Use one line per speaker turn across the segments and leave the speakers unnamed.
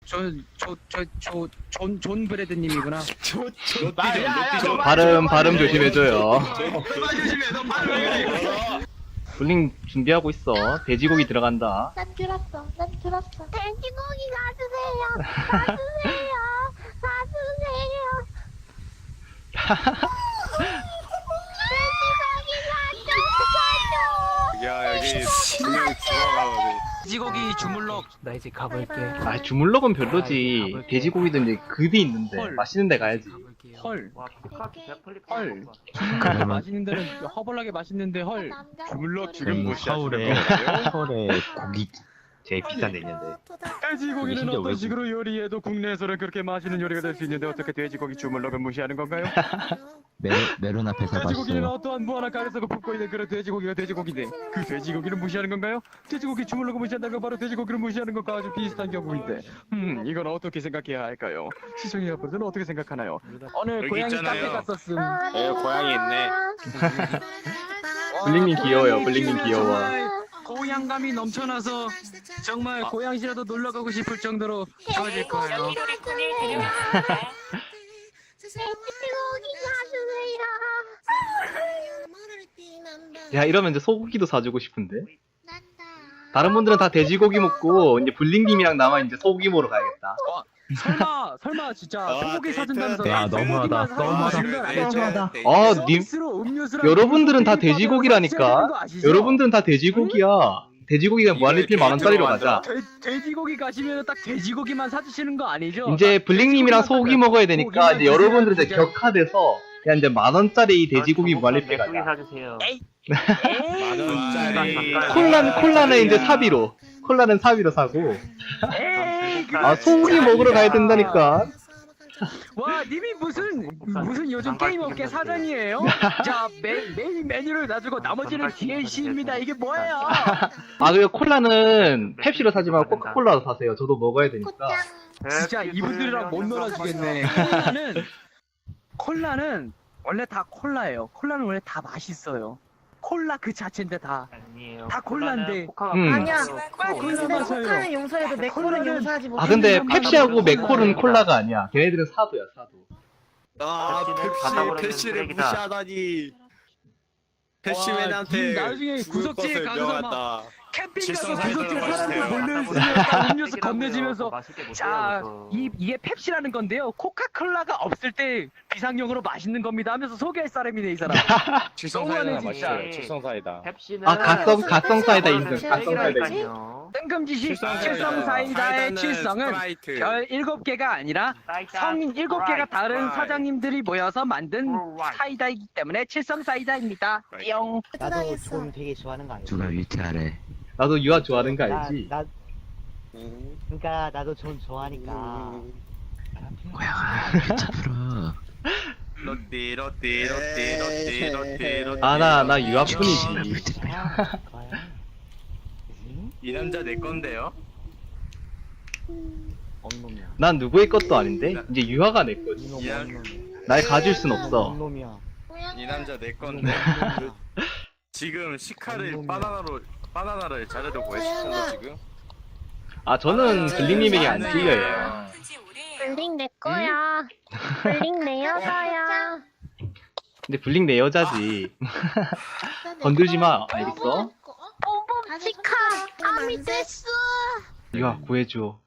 존 브래드님이구나.
발음 조심해줘요.
그만 조심해. 너 발음 왜 그래?
블링 준비하고 있어. 돼지고기 들어간다.
난 들었어. 돼지고기 놔주세요. 놔주세요. 돼지고기 놔줘.
야 여기 분명 죽어가거든.
돼지고기 주물럭. 나 이제 가볼게.
아 주물럭은 별로지. 돼지고기도 이제 급이 있는데
헐.
맛있는 데 가야지.
가볼게요. 헐.
헐.
주물럭 맛있는 데는 허벌나게 맛있는데 헐.
주물럭
저희
지금 무시하시는
서울에
거예요?
서울에 고기 제일 비싼 데 있는데
돼지고기는
심지어
어떤
외국-
식으로 요리해도 국내에서는 그렇게 맛있는 요리가 될 수 있는데 어떻게 돼지고기 주물럭을 무시하는 건가요?
메론 앞에서
돼지고기는
봤어요.
어떠한 무한한 가게에서 굽고 있는 그런 돼지고기가 돼지고기인데 그 돼지고기를 무시하는 건가요? 돼지고기 주물럭을 무시한다는 건 바로 돼지고기를 무시하는 것과 아주 비슷한 경우인데 이건 어떻게 생각해야 할까요? 시청자 여러분들은 어떻게 생각하나요?
오늘
여기
고양이
있잖아요.
카페 갔었음.
고양이 있네.
블링님 귀여워요. 블링님 귀여워.
정말 고향감이 넘쳐나서 정말 고향시라도 놀러 가고 싶을 정도로 좋아질 거예요.
돼지고기 놔주세요.
야 이러면 이제 소고기도 사주고 싶은데. 다른 분들은 다 돼지고기 먹고 이제 블링님이랑 나만 이제 소고기 먹으러 가야겠다.
설마 진짜 소고기 사준다면서
야, 너무하다.
아,
아,
님 여러분들은 다 돼지고기라니까. 여러분들은 다 돼지고기야. 돼지고기가 무한리필 10,000원짜리로 가자.
돼지고기 가시면 딱 돼지고기만 사주시는 거 아니죠?
이제 블링님이랑 소고기 먹어야 되니까 이제 여러분들은 이제 격화돼서 그냥 이제 10,000원짜리 돼지고기 무한리필 가자.
사주세요.
만원짜리
콜라는 이제 사비로. 콜라는 사비로 사고.
에이,
아 소고기 먹으러 가야 된다니까.
와, 님이 무슨 요즘 게임 업계 사장이에요? 자, 메인 메뉴를 놔주고 나머지는 DLC입니다. 이게 뭐예요?
아 그리고 콜라는 펩시로 사지 말고 코카콜라로 사세요. 저도 먹어야 되니까.
진짜 이분들이랑 못 놀아주겠네. 콜라는 원래 다 콜라예요. 콜라는 원래 다 맛있어요. 콜라 그 자체인데 다 콜라인데.
아니야.
콜라
근데
마셔요.
코카는 용서해도 맥콜은 용서하지 못해.
아 근데 펩시하고 맥콜은 콜라가 아니야. 걔네들은 사도야 사도.
패시를 무시하다니. 패시맨한테
나중에 구석지에 가서 막 캠핑 가서 구석지에 사람들
맛있대요.
몰려있으면 음료수 건네지면서 자, 이게 펩시라는 건데요. 코카콜라가 없을 때 비상용으로 맛있는 겁니다 하면서 소개할 사람이네 이 사람. 너무하네 진짜.
칠성사이다.
아 가성 사이다 인증. 가성 사이다 인증.
뜬금지시 칠성사이다의 칠성은 별 7개가 아니라 성인 7개가 다른 사장님들이 모여서 만든 사이다이기 때문에 칠성사이다입니다. 뿅.
나도 좀 되게 좋아하는 거 알지?
누가 위태하래.
나도 유아 좋아하는 거 알지?
그러니까 나도 좀 좋아하니까.
고양아 진짜 풀어.
로띠.
아 나 유아뿐이지.
거야?
이 남자 내 건데요?
언놈이야.
난 누구의 것도 아닌데 이제 유아가 내 거지.
이놈
야.
언놈이야.
날 가질 순 없어.
언놈이야.
이 남자 내 건데. 지금 시카를 바나나를 자르려고 했어 지금.
아 저는 블링님에게 안 찔려요.
블링 내 거야. 블링 내 여자야.
근데 블링 내 여자지. 건들지 마. 알겠어?
뽕뽕 치카. 아미데스.
유아 구해줘.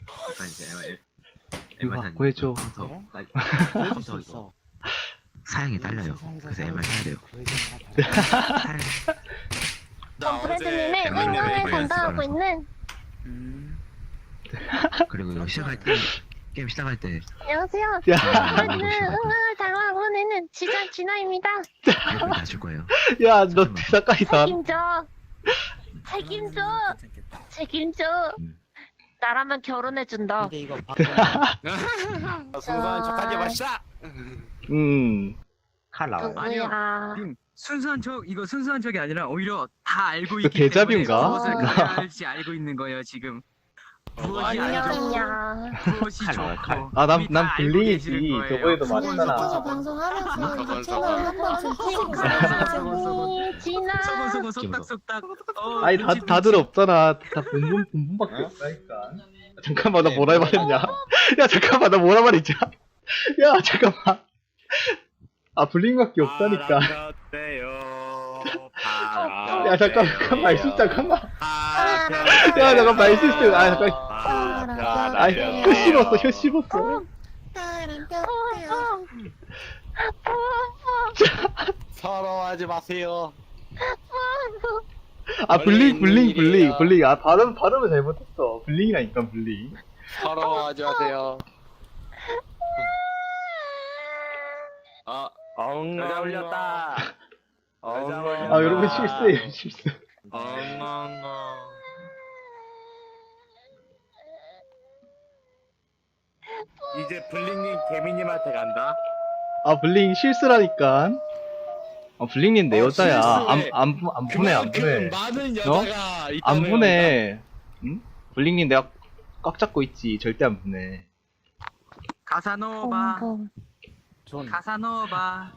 유아 구해줘.
보여줄 수 있어.
사양이 딸려요. 그래서 MR 사야 돼요.
나
브래드님의
어제
행동을 담당하고 있는.
그리고 이거 시작할 때 게임 시작할 때
안녕하세요.
야,
브래드는 응원을 담당하고 있는 지전 진아입니다.
발표 다줄 거예요.
야, 너 대사까지 다.
책임져. 나라면 결혼해준다.
근데 이거
순수한 척하지 마시다.
칼 나와요.
누구야?
순수한 척 이거 순수한 척이 아니라 오히려 다 알고
이거
있기 때문에
데자뷰인가?
무엇을 그래야 할지 알고 있는 거예요 지금. 무엇이 안 좋고
안녕이야.
무엇이
칼 나와요, 칼.
좋고.
아, 난
이미 다 알고
블링이지.
계시는 거예요.
저번에도 말했잖아.
방송하면서
저건,
채널 한 번쯤
저건.
진아.
소곤소곤 속닥속닥.
아니, 다들 없잖아. 다 본분밖에 없다니까. 잠깐만 나 뭐라 말했냐? 야 잠깐만 나 뭐라 말했냐? 야 잠깐만. 아 블링밖에 없다니까. 야 잠깐만 말실 잠깐만. 야 잠깐 말실 때. 아 잠깐. 혀 씹었어 혀 씹었어.
서러워하지 마세요.
아 블링. 아 발음을 잘못했어. 블링이라니까 블링.
서러워하지 마세요.
여자 올렸다.
아 여러분 실수예요 실수.
이제 블링님 개미님한테 간다.
아 블링 실수라니까. 아 블링님 내 여자야. 안 보내 안 보내.
많은 여자가
안 보내. 응? 블링님 내가 꽉 잡고 있지. 절대 안 보내.
가사노바.
존.
가사노바.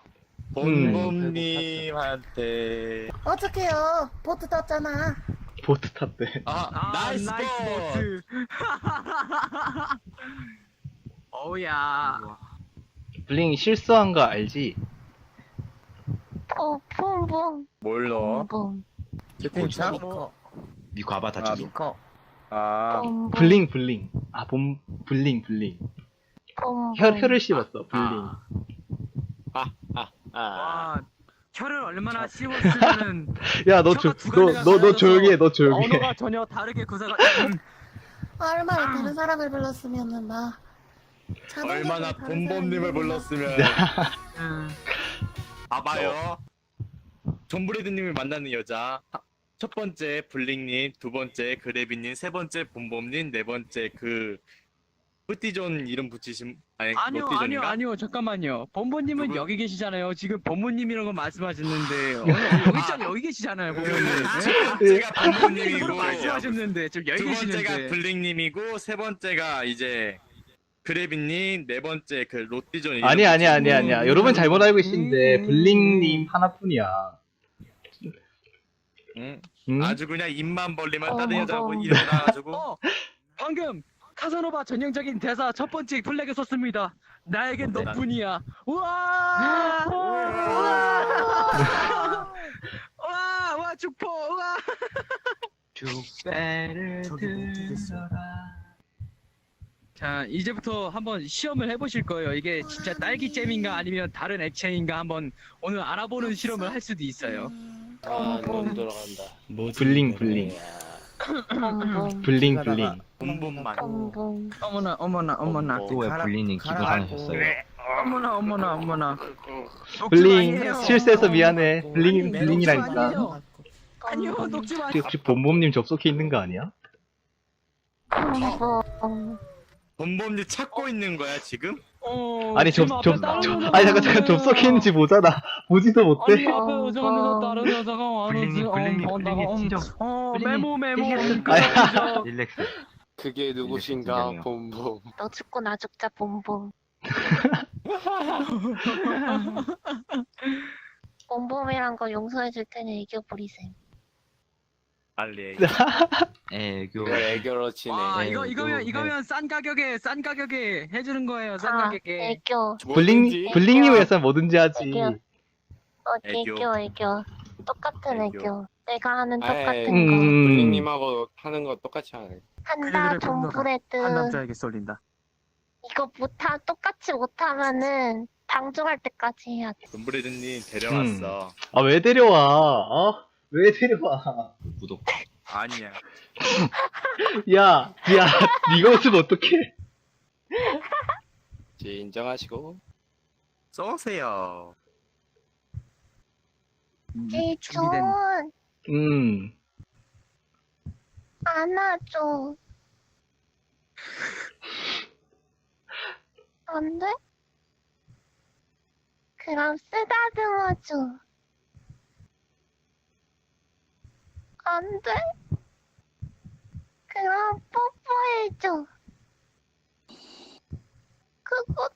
본범님한테.
어떡해요. 보트 떴잖아.
보트 탔대.
나이스 보트.
어우야.
블링 실수한 거 알지?
봄봄.
뭘로?
봄봄.
채팅창?
니코 아바타 찍어.
미코.
봄.
블링. 아 블링. 혀를 씹었어 블링.
와, 혀를 얼마나 씹었으면은
야 너 조용히 해. 너 조용히 해.
언어가 전혀 다르게 구사가.
얼마나 다른 사람을 불렀으면은 막.
얼마나 본범님을 불렀으면. 봐봐요. 존브레드님을 만나는 여자. 첫 번째 블링님, 두 번째 그래비님, 세 번째 본범님, 네 번째 그 뿌띠존 이름 붙이신
아니요, 잠깐만요. 본부님은
누구?
여기 계시잖아요. 지금 본부님이라는 거 말씀하시는데 여기 계시잖아요, 본부님.
제가
본부님으로
본범님이고
말씀하셨는데 지금 여기
두 번째가
계시는데.
블링님이고 세 번째가 이제 그래비님, 네 번째 그 롯디존 이름
아니야.
붙이신
여러분 잘못 알고 계시는데 블링님 하나뿐이야.
응?
응?
아주 그냥 입만 벌리면 다른 여자하고 일어나가지고
방금 카사노바 전형적인 대사 첫 번째 플래그 썼습니다. 나에겐 너뿐이야. 우와! 와 축포. 우와!
축배를 들어라.
자, 이제부터 한번 시험을 해보실 거예요. 이게 진짜 딸기잼인가 아니면 다른 액체인가 한번 오늘 알아보는 실험을 할 수도 있어요.
넌 들어간다.
블링.
봄봄.
블링.
본범만
봄봄.
어머나.
또 왜 블리님 기부하셨어요?
어머나.
블링
아니에요.
실수해서 미안해. 블링이라니까.
아니요, 녹지 마.
혹시 본범님 접속해 있는 거 아니야?
봄봄.
본범님 찾고 있는 거야 지금?
아니
지금 앞에 다른 여자가
아니 잠깐 접속해 있는지 보잖아. 보지도
아니
못해.
앞에 여자가 다른 여자가 와서
블링님 진정.
메모.
릴렉스.
그게 누구신가
진짜요.
본범.
너 죽고 나 죽자 봄봄. 봄봄이란 거 용서해 줄 테니 애교 부리셈.
빨리
애교.
애교로 치네.
와,
네,
이거면 싼 가격에 해주는 거예요. 싼
아,
가격에.
애교.
블링님을 위해서 뭐든지 하지.
애교.
애교.
애교. 똑같은
애교.
애교. 내가 하는
아이,
똑같은 거.
블링님하고 하는 거 똑같이 하네.
한다 존브레드.
한 남자에게 쏠린다.
이거 똑같이 못하면은 방종할 때까지 해야 돼.
존브레드님 데려왔어.
아 왜 데려와? 왜 데려와?
구독.
아니야.
야, 네가 웃으면 어떡해?
이제 인정하시고 쏘세요.
제이존
음.
안아줘. 안 돼? 그럼 쓰다듬어줘. 안 돼? 그럼 뽀뽀해줘. 그것도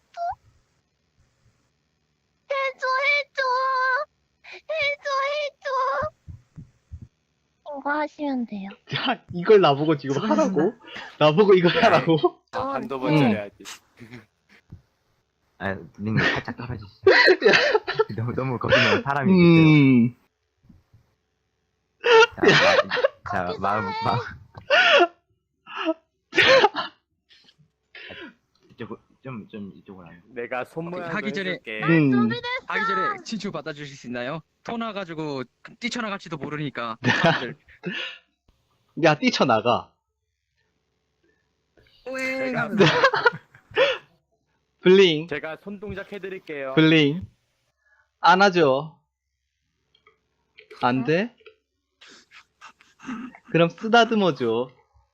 해줘. 이거 하시면 돼요.
야, 이걸 나보고 지금 하라고? 나보고 이걸 하라고?
한두
번
해야지.
아, 님 살짝 떨어지시죠. 너무 거기는 사람이 있어요. 자, 마음. 좀 이쪽으로 안.
내가 손 모양
하기 전에-
해줄게.
하기 전에 친추 받아주실 수 있나요? 토 나가지고 뛰쳐나갈지도 모르니까. 사람들.
야, 뛰쳐나가.
제가,
블링,
제가 손 동작 해드릴게요.
블링. 안아줘. 안 돼? 그럼 쓰다듬어줘.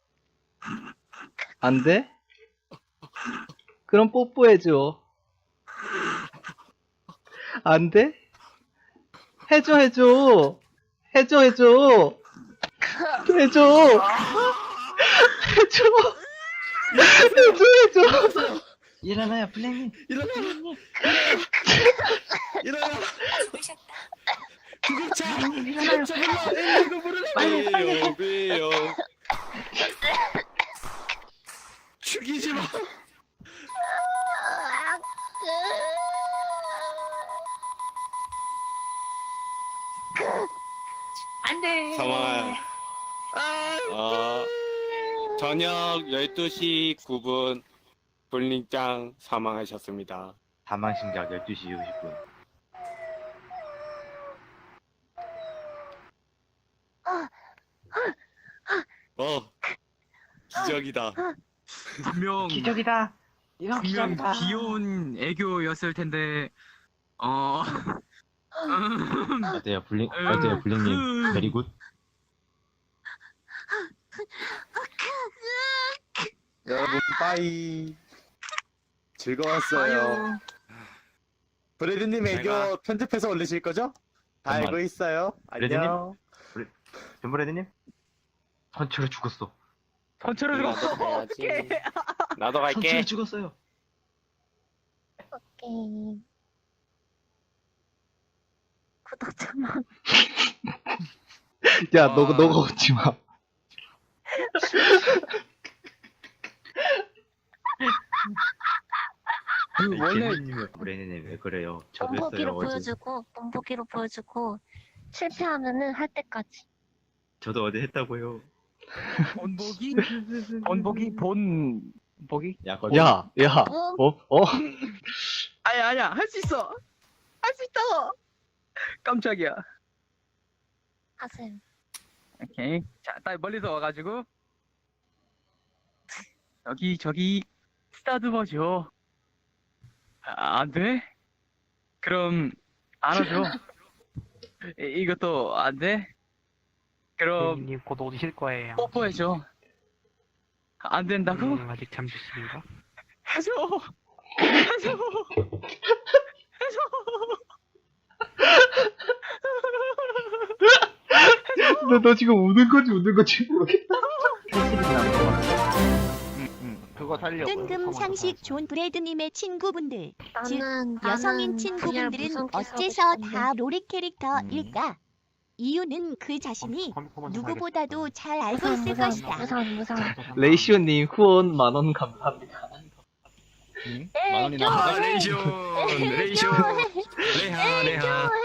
안 돼? 그럼 뽀뽀해줘. 안 돼? 해줘. 해줘. 해줘.
일어나요, 블랙님.
일어나! 구급차! 구급차 불러! 이거 부르라! 왜요? 죽이지 마!
안돼.
상황. 저녁 12시 9분 볼링장 사망하셨습니다.
사망 신작 12시 50분.
기적이다.
분명
기적이다. 이거
분명 귀여운 애교였을 텐데
어때요, 블랙님? 베리굿.
여러분, 빠이. 즐거웠어요. 브래드님 애교 편집해서 올리실 거죠? 다
정말.
알고 있어요. 안녕.
전브레드님? 선체로 죽었어.
선체로 죽었어.
어떡해. 나도 갈게.
선체로 죽었어요.
오케이. 구독자만.
야, 너가 웃지 마.
원래
브레드님 왜 그래요? 저도
본보기로
했어요. 어제.
보여주고 본보기로 보여주고 실패하면은 할 때까지.
저도 어제 했다고요.
본보기 본보기.
야, 거기.
야,
아니야 할 수 있어. 할 수 있다고. 깜짝이야.
하세요.
오케이. 자, 딱 멀리서 와가지고 저기 쓰다듬어줘. 안 돼? 그럼 안아줘. 이것도 안 돼? 그럼
님 곧 오실 거예요.
뽀뽀해줘. 안 된다고?
아직 잠시십니다.
해줘. 해줘.
너 지금 우는 건지 모르겠다.
그거 살려고.
뜬금 상식 존 브래드님의 친구분들, 즉
나는
여성인
VR
친구분들은
무슨
어째서
기사고
다 로리 캐릭터일까? 이유는 그 자신이 누구보다도 잘 알고 있을 것이다.
무선.
레이시오님 후원 10,000원 감사합니다.
레이션. 레하.